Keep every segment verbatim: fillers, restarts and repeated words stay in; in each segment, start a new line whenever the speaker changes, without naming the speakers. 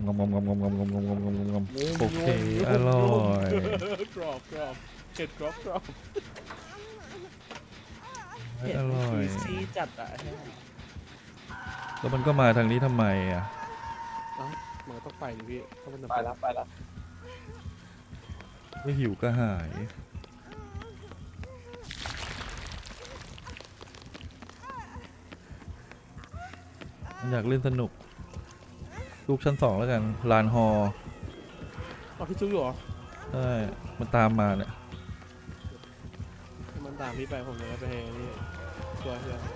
งมงมงมงมงมงมงมงมงโอเคอร่อย
กรอบกรอบเห็ดกรอบกรอบ
อ
เห็ดมัน
ร่อย
juicy จัดอะ
แล้วมันก็มาทางนี้ทำไมอ่ะ
เอ้ามันก็ต้องไปดิพี่ถ้ามัน
ไปแล้วไปแล้ว
ไม่หิวก็หายมันอยากเล่นสนุกลูกชั้นสองแล้วกันลานฮอ
เอาพี่จุ๊กอยู่เหรอ
ใช่มันตามมาเนี่ย
มันตามพี่ไปผมเลยไปเฮนี่ตัวเชื่อ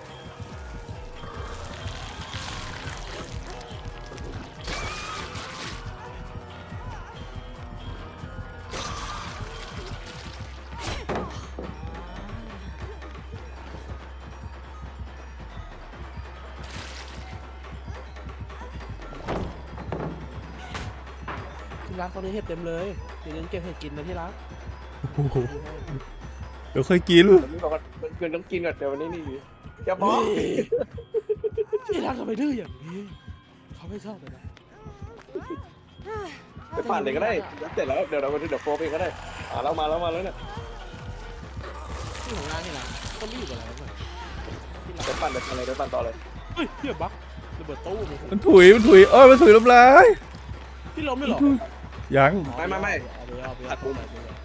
ที่รักตอนนี้เห็ดเต็มเลยเดี๋ยวยังเก็บเห็ดกินนะที่รัก
โอ้โหเดี๋ยวค่อยกิน
เดี๋ยวนี้บอกว่าเพื่อนต้องกินก่อนเดี๋ยววันนี้นี่จะบอก
ที่รักทำไมดื้ออย่างนี้เขาไม่ชอบเลยนะ
ไปปั่นเลยก็ได้เสร็จแล้วเดี๋ยวเราไปเดี๋ยวโฟไปก็ได้อ่าเรามาแล้วมาแล้วเนี่ย
ที่ของงานที่รักก็ไม่อยู่กับเราเลยที่รัก
ไปปั่นไปปั่นเลยไปปั่นต่อเลย
เฮ้ยเฮียบักระเบิดตู้เลย
มันถุยมันถุยเอ้ยมันถุยน้ำลาย
พี่ล้มไม่หรอ
ยัง
ไม่ไม่ไม่
เอาไปเอาไป
หั
เอา
ก
ไป
มุม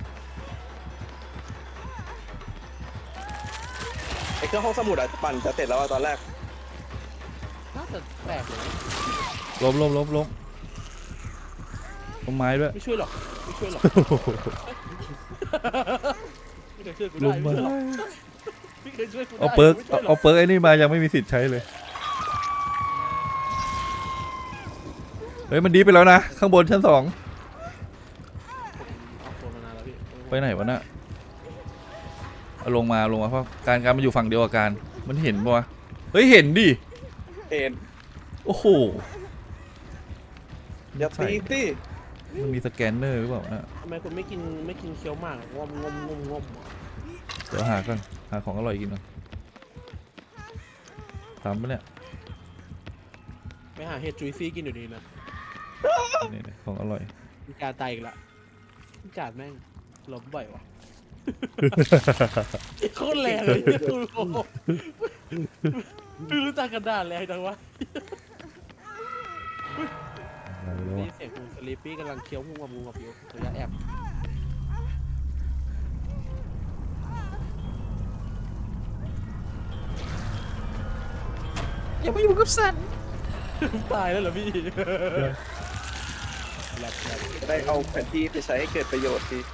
ไอ้เครื่องห้องสมุดอะปั่นจะเสร็จแล้วตอนแรก
น่าจะแตกเลย
ล้มล้มล้มล้มต้นไม้ด้วย
ไม่ช่วยหรอกไม่ช่วยหรอกไม่เคยช่วยกู
ล้
ได้
ม
ไม่
มา
ช่วยหรอกไม่เคยช่วยกูได้
เอาเปิร์ก
ไม่ช่วยหร
เอาเปิร์กไอ้นี่มายังไม่มีสิทธิ์ใช้เลยเฮ้ยมันดีไปแล้วนะข้างบนชั้นสอง
เอาตัวมานานแล้วพี่
ไปไหนวะน่ะเอาลงมาลงมาเพราะการการมันอยู่ฝั่งเดียวกับการมันเห็นปะวะเฮ้ยเห็นดิ
เอ็น
โอ้โห
อย่าตีสิ
มันมีสแกนเนอร์หรือเปล่านะ
ทำไมคุณไม่กินไม่กินเคี้ยวหมากงอมงมงมงม
เดี๋ยวหาก่อนหาของอร่อยกินก่อนตามปะเนี่ย
ไปหาเห็ดจุยซี่กินอยู่ดีนะ
นี่ๆของอร่อย
มีการตายอีกละมีการแม่งล้มบ่อยวะโคตรแรงเลยคุณโอ้ไม่รู้จักกระดาษแรงจังวะ
อะไรแล้ว
นี่
วะ
เสียงคุณสลีปปี้กำลังเคี้ยวงูกับงูกับอยู่ระยะแอบ
อย่ามาอยู่กับสัน
ตายแล้วเหรอพี่แหลกแหลก
จะได้เอาแผนที่ไปใช้ให้เกิดประโยชน์ดี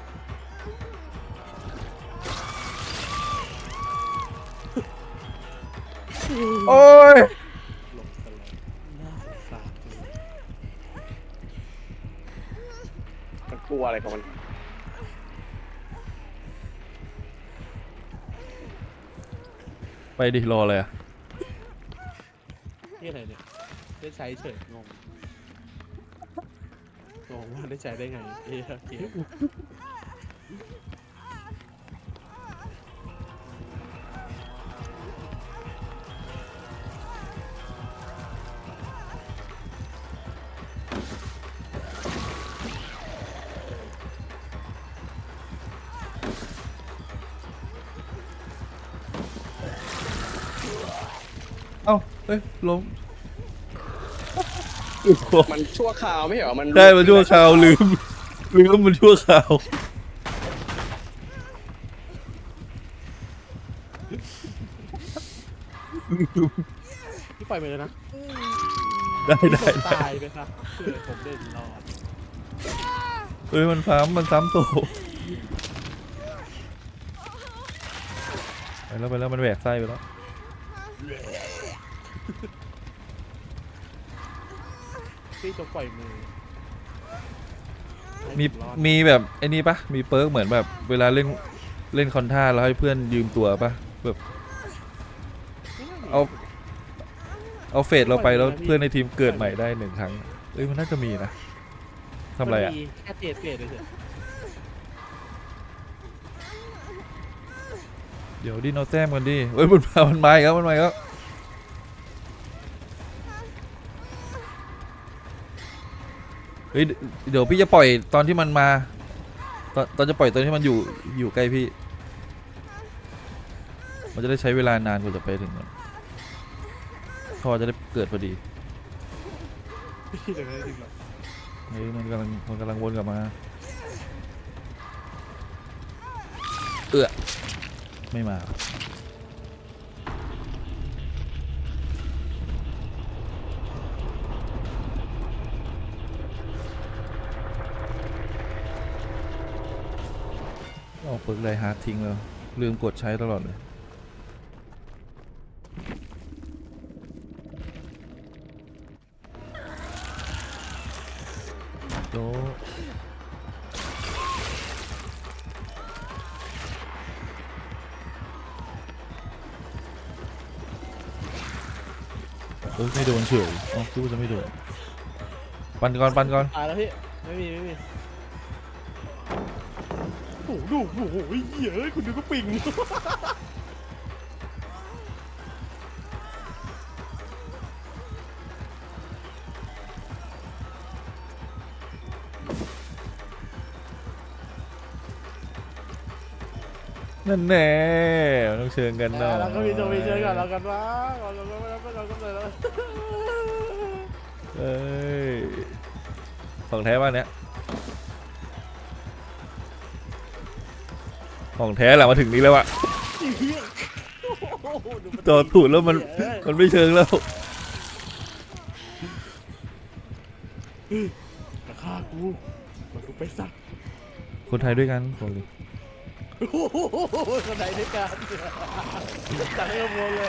โอ้ย
หลบกันเลยน่าสงสารจังเลย
มันกลัวอะไรของมัน
ไปดิรอเลยอะ
นี่อะไรเนี่ยได้ใช้เฉยงงงงว่าได้ใช้ได้ไงเอ้ยเกม
เอ้าเฮ้ยล้ม
มันชั่วคราวไม่เหรอมัน
ได้มันชั่วคราวลืมลืมมันชั่วคราว
พี่ปล่อยไปเลยนะ
ได้ได้
ผม
ได้
ตายไปครับเพื่อผมเล่นรอด
เฮ้ยมันซ้ำมันซ้ำโตไปแล้วไปแล้วมันแหวกไส้ไปแล้ว
พี่จะปล่อยมือให้
มี
ผรอด
มีแบบไอ้นี่ปะมีเปิร์กเหมือนแบบเวลาเล่นเล่นคอนท่าแล้วให้เพื่อนยืมตัวปะแบบเอาเอาเฟสเราไปแล้วเพื่อนในทีมเกิดใหม่ได้หนึ่งครั้งเอ้ยมันน่าจะมีนะทำอะไรอ่ะ
มันมีแค่เจ็ดเจ็ดเลยเถอะ
เดี๋ยวดินเอาแต้มกันดิเอ้ยมันมามันมาอีกแล้วมันมาอีกแล้วเฮ้ยเดี๋ยวพี่จะปล่อยตอนที่มันมาตอนตอนจะปล่อยตอนที่มันอยู่อยู่ใกล้พี่มันจะได้ใช้เวลานานกว่าจะไปถึงมันท่อจะได้เกิดพอดี
พี่เดี๋ยวไม่ได้ดึงหรอก
เฮ้ยมันกำลังมันกำลังวนกลับมาเอื้อไม่มาเอาเปิดไลฮาร์ดทิ้งแล้วลืมกดใช้ตลอดเลยโดเออไม่โดนเฉยอ๋อคิดว่าจะไม่โดนปันก่อนปันก่อน
ตายแล้วพี่ไม่มีไม่มีโอ้โหดูโอ้โหเหี้ยเอ้ยคุณดูก็ปิง
นั่นแน่ต้องเชิญกันหน่อย
แล้วก็มีโจมีเชิญก่อนเรากันว่าเราก็ไม่เราก็เราก็เลยแล้ว
เอ้ยของแท้บ้านเนี้ยของแท้แหละมาถึงนี้แล้วอะจอดถูดแล้วมันมันไม่เชิงแล้ว
ราคากูมันกูไปสัก
คนไทยด้วยกันบอกเลย
โอ้โหคนไหนด้วยกันจังกระโมงเลย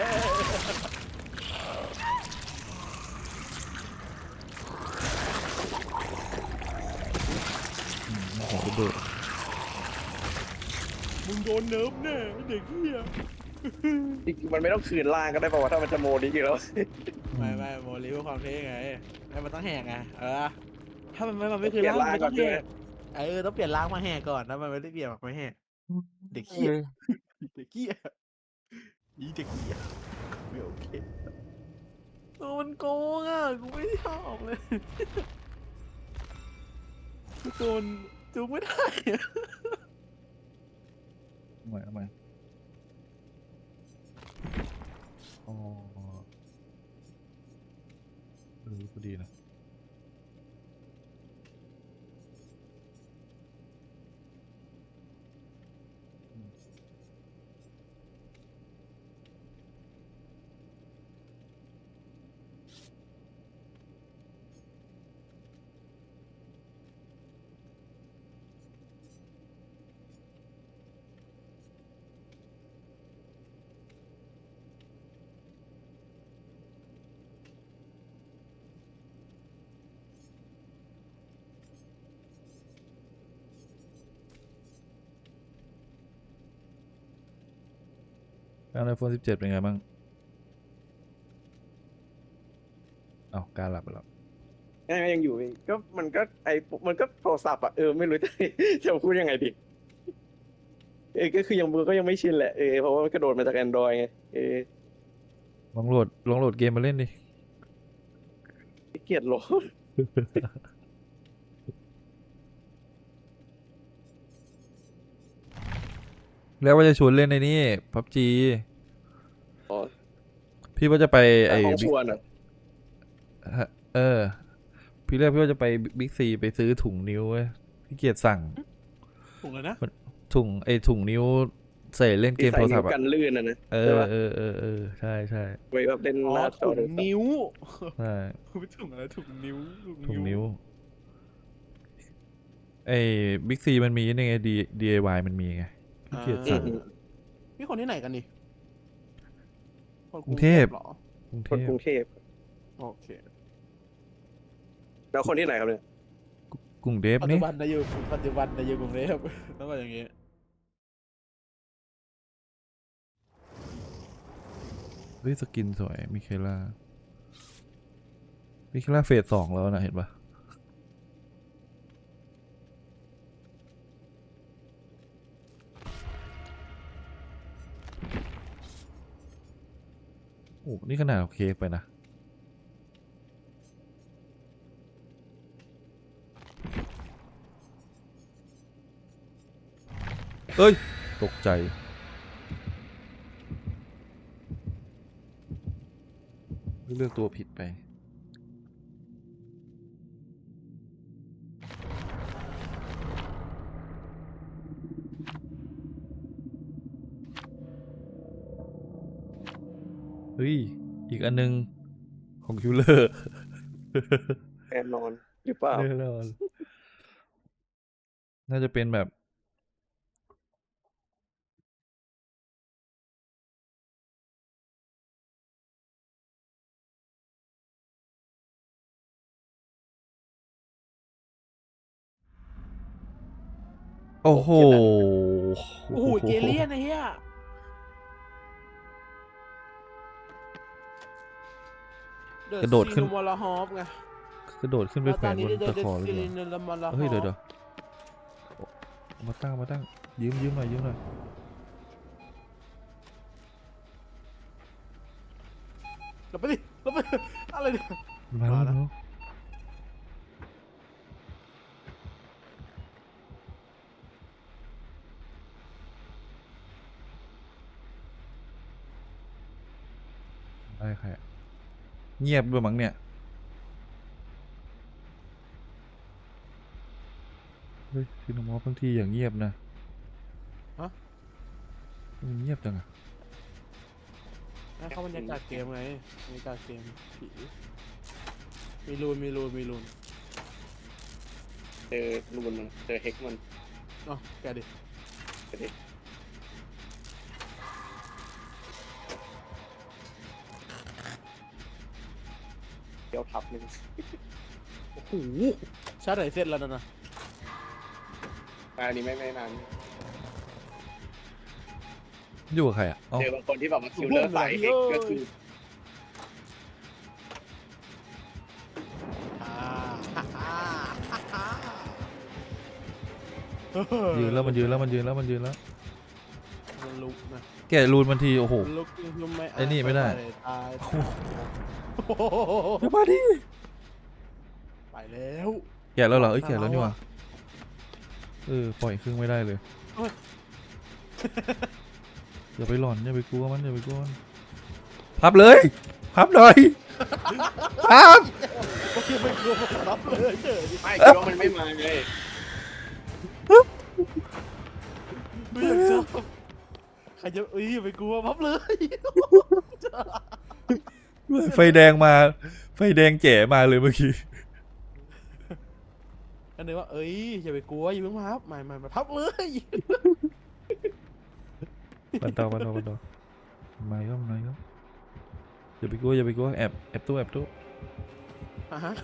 ของระเบิด
มึงโดนเนิร์ฟแน่เด็กเหี้ย
จริงๆมันไม่ต้องคืนล่างก็ได้ป่าวว่าถ้ามันจะโมดีอยู่แล้ว
ไม่ไม่โมลิเพื่อความเท่ไงให้มันต้องแหกไงเออถ้ามันไม่มันไม่คือ
เปลี่ยน
ล่าง
ล่าง
ไม่
ก่
ต้
อ
อน ง
ใช่
แห
ไหม
กเออต้องเปลี่ยนล่างมาแหกก่อนนะมันไม่ได้เปลี่ยนแบบไม่แหกเด็กเหี้ยเด็กเหี้ยอีเด็กเหี้ยไม่โอเคโอ้มันโกงอ่ะกูไม่ชอบเลยกูโดนจูงไม่ได้อะ
ทำไมทำไมอ๋อเออพอดีนะแล้วไอโฟนสิบเจ็ดเป็นไงบ้างเอาการหลับไปแล้ว
ยังยังอยู่อีกก็มันก็ไอมันก็โทรศัพท์อ่ะเออไม่รู้จะ จะพูดยังไงดีเออก็คือยังมือก็ยังไม่ชินแหละเออเพราะว่ามันกระโดดมาจาก Android ไงเออ
ลองโหลดลองโหลดเกมมาเล่นดิ
ขี้เกียจโหลด
แล้วว่าจะชวนเล่นในนี่พับจี
อ๋อ
พี่ว่าจะไปไอ้
ของ
บิ๊
ช
ก
วนอ่ะ
ฮะเออ พี่เรียกพี่ว่าจะไปบิ๊กซีไปซื้อถุงนิ้วเว้ยพี่เกียจสั่ง
ถูกเลยนะ
ถุงไอ้ถุงนิ้วใส่เล่นเก
ที่
ม
ใส่
โทรศั
นิ้
พ
ว
ท์อะ
กันลื่นอ่ะนะ
เอ
ใช่
อ
ปะ
เออเออเออใช่ใช่
ไว้แบบเล่น
อ๋อ
หน้าจอ
ถุ
โทรง ศัพท์
นิ้ว
ใช่
ไม่ถุงอะไรถุงนิ้ว
ถุงนิ้วไอ้บิ๊กซีมันมีนี่ไงดีดีไอวายมันมีไงพี่เกียจ
อื
สั่
ม
ง
อืม
พี่คนที่ไหนกันดิคน
กรุงเทพ
หรอ
กรุงเท
คน
พ
กรุงเทพ
โอเค
แล้วคนที่ไหนครับเนี่ย
กรุงเทพ
ปัจ
นี่
จุบันนายอยู่ปัจจุบันนายอยู่กรุงเทพต้องมาอย่างงี้
เฮ้ยสกินสวยมิเคล่ามิเคล่าเฟสสองแล้วนะเห็นปะโอ้นี่ขนาดเอาเค้กไปนะเอ้ยตกใจเลือกตัวผิดไปเฮ้ยอีกอันนึงของคิวเลอร์
แน่นอนหรือเปล่า
แน่นอนน่าจะเป็นแบบ โอ้โห
โอ้โหเจเลียนไอ้เหี้ย
กระโดดขึ้น
มอลฮอฟไง
กระโดดขึ้นไปแขวนบนตะขอเลยเหรอเฮ้ยเดี๋ยวเดี๋ยวเอามาตั้งมาตั้งยืมยืมหน่อยยืมหน่อย
เราไปดิเราไปอะไรเนี่ย
มาแล้ว
มาแล้ว
มาแล้วได้ใครอะเงียบด้วยมั้งเนี่ยเฮ้ยซินามอฟบางทีอย่างเงียบนะ
ฮะ
มันเงียบจังอะ
ให้เข้าบรรยากาศเกมไงบรรยากาศเกมผีมีรูนมีรูนมีรูน
เจอรูนมันเจอเฮกมัน
อ๋อแกดิ
ไปดิเดี๋ยวทับหนึ่ง
โอ้โหชาร์จไหนเสร็จแล้วนะนะ
อันนี้ไม่ไม่นาน
อยู่กับใครอ่ะอ๋อ
เจอบางคนที่แบบมาคิวเลอร์สายเฮกก็คือ
อ่าฮ่าฮ่าฮ่าฮ่า
ยืนแล้วมันยืนแล้วมันยืนแล้วมันยืนแล้ว
มันลุกนะ
แกะรูนมันทีโอ้โห
ลุกยุ่มไม่
ไอ้นี่ไม่ได้
ตาย
โอ้โห
โอ้โห
เดี๋ยวมาดิ
ไปแล้ว
แกะแล้วเหรอเอ้ยแกะแล้วนี่หว่าเออปล่อยครึ่งไม่ได้เลย
โอ้ย
อย่าไปหลอนอย่าไปกลัวมันอย่าไปกลัวมันพับเลยพับหน่อยพับ
โอเคไม่กลัวผมรับเลยเฉย
ไม่คิดว่ามันไม่มาไง
ไม่อยากชอบใครจะเอ้ยอย่าไปกลัวพับเลย
ไฟแดงมาไฟแดงแจ๋มาเลยเมื่อกี้
อันนี้ว่าเอ้ยอย่าไปกลัวอย่าเพิ่งพับไม่ไม่มาพับเลย
ปันต่อปันต่อปันต่อมาก็มาก็อย่าไปกลัวอย่าไปกลัวแอบแอบตู้แอบตู้
อ่ะฮะ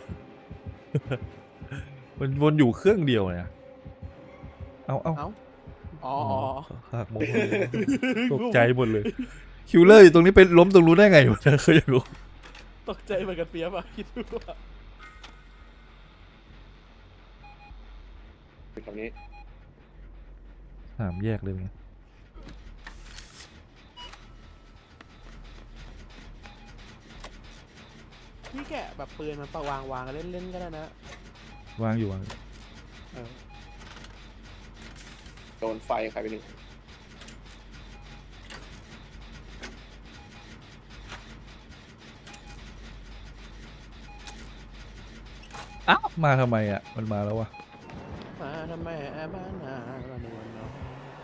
มันวนอยู่เครื่องเดียวเนี่ยเอาเอา
เอ้าอ๋อ
หักมุมตกใจหมดเลยคิวเลอร์อยู่ตรงนี้ไปล้มตรงรู้นได้ไงวะเคยอยากรู้
ตกใจเหมือนกันเปียบอะคิดดูว่า
คือคำนี้
สามแยกเลยไง
พี่แกะแบบปืนมันปะวางวางเล่นเล่นก็ได้นะ
วางอยู่วาง
เออ
โดนไฟใครไปหนึ่ง
อ้าวมาทำไมอ่ะมันมาแล้ววะ
มาทำไมแอบมาหนาละนวลเนาะ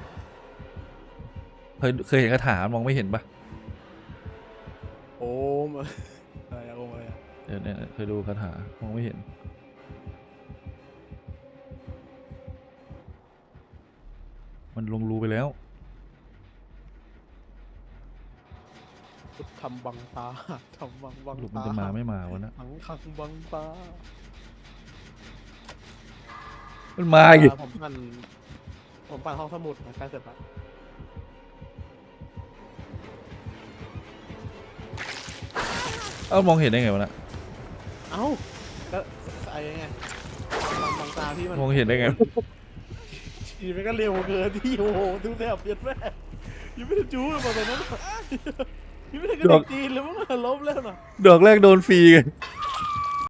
เคยเคยเห็นคาถามองไม่เห็นปะ
โอมอะไรอะโอมอะไรอะ
เดี๋ยวเนี่ยเคยดูคาถามองไม่เห็นมันลงรูไปแล้ว
ทำบังตาทำบังบัง
หลุมมัน
ตา
จะมาไม่มาวะนะ
ขังขังบังตา
มันมาอีก
ผมปั่นผมปั่นห้องสมุดนะใกล้เสร็จแล้ว
เอ้ามองเห็นได้ไงวะน่ะ
เอ้าก็ไอ้ไงบังบังตาพี่มัน
มองเห็นได้ไง
ทีมันก็เร็วเกินที่โอ้โหดูแทบเปลี่ยนแม่ยังไม่ได้จู้เลยบอกตอนนั้นยังไม่ได้กระดิกตีนเลยมั้งล้มแล้วน่ะ
ดอกแรกโดนฟรีไง